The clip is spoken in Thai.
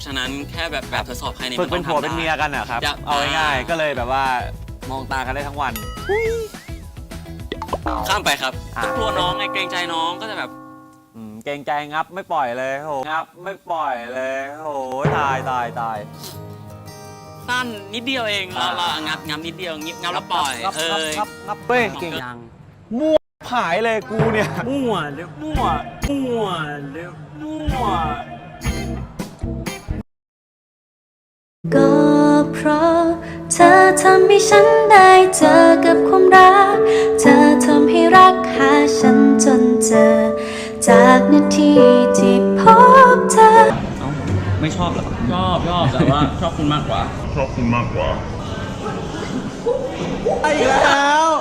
ราะฉะนั้นแค่แบบทดสอบภายในฝึกเป็นผัวเป็นเมียกันเหรอครับเอาง่ายๆก็เลยแบบว่ามองตากันได้ทั้งวันข้ามไปครับกลัวน้องไงเกรงใจน้องก็จะแบบเกรงใจงับไม่ปล่อยเลยโหงับไม่ปล่อยเลยโหตายสั้นนิดเดียวเองเรางับนิดเดียวงับแล้วปล่อยงับเป้งเก่งยังมั่วผายเลยกูเนี่ยมั่วเร็วก็เพราะเธอทำให้ฉันได้เจอกับความรักเธอทำให้รักหาฉันจนเจอจากนาทีที่พบเธอไม่ชอบหรอชอบแต่ว่าชอบคุณมากกว่าอีกแล้ว